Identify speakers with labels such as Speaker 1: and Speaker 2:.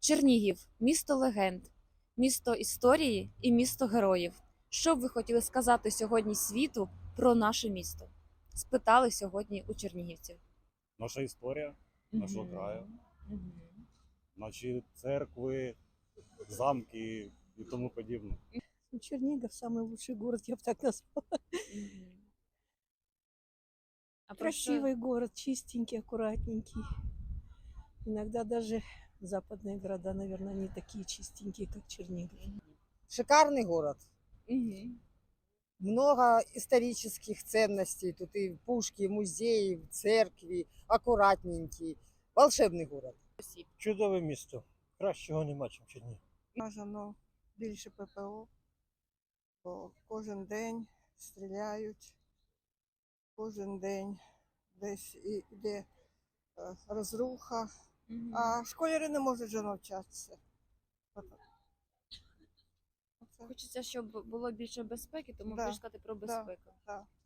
Speaker 1: Чернігів місто легенд, місто історії і місто героїв. Що б ви хотіли сказати сьогодні світу про наше місто? Спитали сьогодні у чернігівців.
Speaker 2: Наша історія нашого краю, наші церкви, замки і тому подібне.
Speaker 3: Чернигов самый лучший город, я бы так назвала.
Speaker 1: А про що-
Speaker 3: Красивый город, чистенький, аккуратненький. Иногда даже западные города, наверное, не такие чистенькие, как Чернигов.
Speaker 4: Шикарный город.
Speaker 1: Мгм.
Speaker 4: Много исторических ценностей. Тут и пушки, и музеи, церкви, аккуратненький. Волшебный город.
Speaker 5: Чудове місто. Кращого нема, ніж Чернігів.
Speaker 6: Бажано більше ППО, бо кожен день стріляють, кожен день десь іде розруха, а школярі не можуть вже навчатися. Оце.
Speaker 1: Хочеться, щоб було більше безпеки, тому
Speaker 6: Да,
Speaker 1: хочу сказати про безпеку.
Speaker 6: Да.